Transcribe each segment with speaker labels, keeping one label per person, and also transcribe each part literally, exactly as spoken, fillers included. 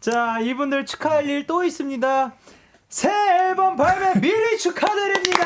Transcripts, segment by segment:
Speaker 1: 자, 이분들 축하할 일 또 있습니다. 새 앨범 발매 미리 축하드립니다.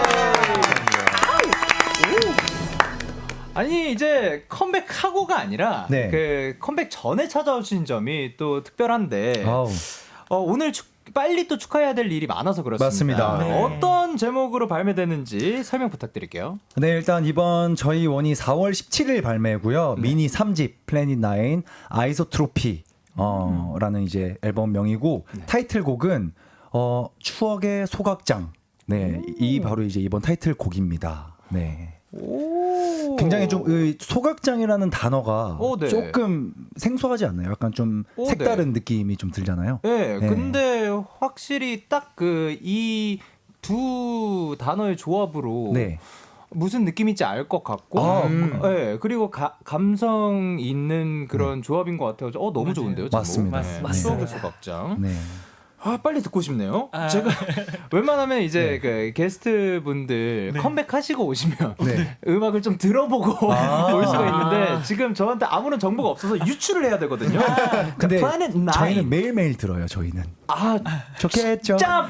Speaker 1: 아니 이제 컴백하고가 아니라
Speaker 2: 네.
Speaker 1: 그 컴백 전에 찾아오신 점이 또 특별한데
Speaker 2: 아우.
Speaker 1: 어, 오늘 축, 빨리 또 축하해야 될 일이 많아서 그렇습니다.
Speaker 2: 맞습니다.
Speaker 1: 네. 어떤 제목으로 발매되는지 설명 부탁드릴게요.
Speaker 2: 네, 일단 이번 저희 원이 사월 십칠일 발매고요.
Speaker 1: 네.
Speaker 2: 미니 삼 집 플래닛 나인 아이소트로피 어, 라는 이제 앨범명이고
Speaker 1: 네.
Speaker 2: 타이틀곡은 어, 추억의 소각장. 네, 이 바로 이제 이번 타이틀곡입니다. 네.
Speaker 1: 오.
Speaker 2: 굉장히 좀 의, 소각장이라는 단어가
Speaker 1: 오, 네.
Speaker 2: 조금 생소하지 않나요? 약간 좀
Speaker 1: 오,
Speaker 2: 색다른 느낌이 좀 들잖아요.
Speaker 1: 네,
Speaker 2: 네.
Speaker 1: 근데 확실히 딱 그 이 두 단어의 조합으로
Speaker 2: 네.
Speaker 1: 무슨 느낌인지 알 것 같고,
Speaker 2: 아,
Speaker 1: 음. 네, 그리고 가, 감성 있는 그런 조합인 것 같아요. 어 너무
Speaker 3: 맞아요.
Speaker 1: 좋은데요, 제목?
Speaker 2: 맞습니다.
Speaker 1: 네,
Speaker 3: 맞습니다.
Speaker 1: 추억의 소각장.
Speaker 2: 네.
Speaker 1: 아 빨리 듣고 싶네요.
Speaker 3: 아.
Speaker 1: 제가 웬만하면 이제
Speaker 2: 네.
Speaker 1: 그 게스트 분들
Speaker 3: 네.
Speaker 1: 컴백하시고 오시면
Speaker 2: 네.
Speaker 1: 음악을 좀 들어보고
Speaker 2: 아.
Speaker 1: 올 수가 있는데 지금 저한테 아무런 정보가 없어서 유출을 해야 되거든요.
Speaker 2: 근데
Speaker 1: 플래닛 나인.
Speaker 2: 저희는 매일매일 들어요, 저희는.
Speaker 1: 아
Speaker 2: 좋겠죠?
Speaker 1: 진짜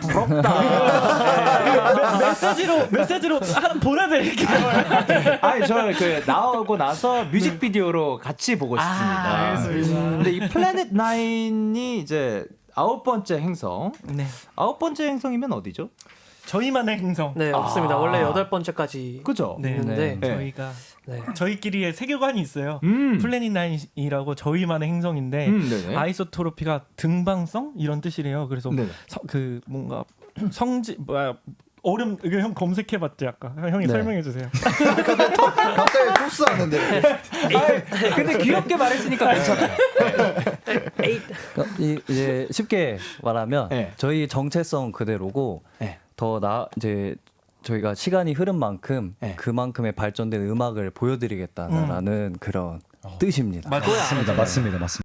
Speaker 1: 부럽다.
Speaker 3: 메시지로 메시지로 하나 보내드릴게요.
Speaker 1: 아니 저 그 나오고 나서 뮤직비디오로 같이 보고 싶습니다.
Speaker 3: 아, 알겠습니다.
Speaker 1: 근데 이 플래닛 나인이 이제 아홉 번째 행성.
Speaker 3: 네,
Speaker 1: 아홉 번째 행성이면 어디죠?
Speaker 3: 저희만의 행성.
Speaker 4: 네, 없습니다.
Speaker 1: 아.
Speaker 4: 원래 여덟 번째까지
Speaker 1: 그죠?
Speaker 3: 네,
Speaker 4: 있는데
Speaker 1: 네.
Speaker 3: 저희가
Speaker 4: 네.
Speaker 3: 저희끼리의 세계관이 있어요.
Speaker 1: 음.
Speaker 3: 플래닛 나인이라고 저희만의 행성인데
Speaker 1: 음, 네네.
Speaker 3: 아이소토로피가 등방성 이런 뜻이래요. 그래서
Speaker 1: 네네.
Speaker 3: 서, 그 뭔가 성지 뭐야 어렵 이거 형 검색해봤지 아까 형이
Speaker 2: 네.
Speaker 3: 설명해 주세요.
Speaker 5: 갑자기 토스하는데.
Speaker 1: 아, 근데 귀엽게 말했으니까 괜찮아요.
Speaker 6: 그러니까 이, 이제 쉽게 말하면
Speaker 1: 네.
Speaker 6: 저희 정체성 그대로고
Speaker 1: 네.
Speaker 6: 더 나 이제 저희가 시간이 흐른 만큼
Speaker 1: 네.
Speaker 6: 그만큼의 발전된 음악을 보여드리겠다라는 그런 뜻입니다.
Speaker 3: 맞아요.
Speaker 2: 맞습니다, 맞습니다, 맞습니다.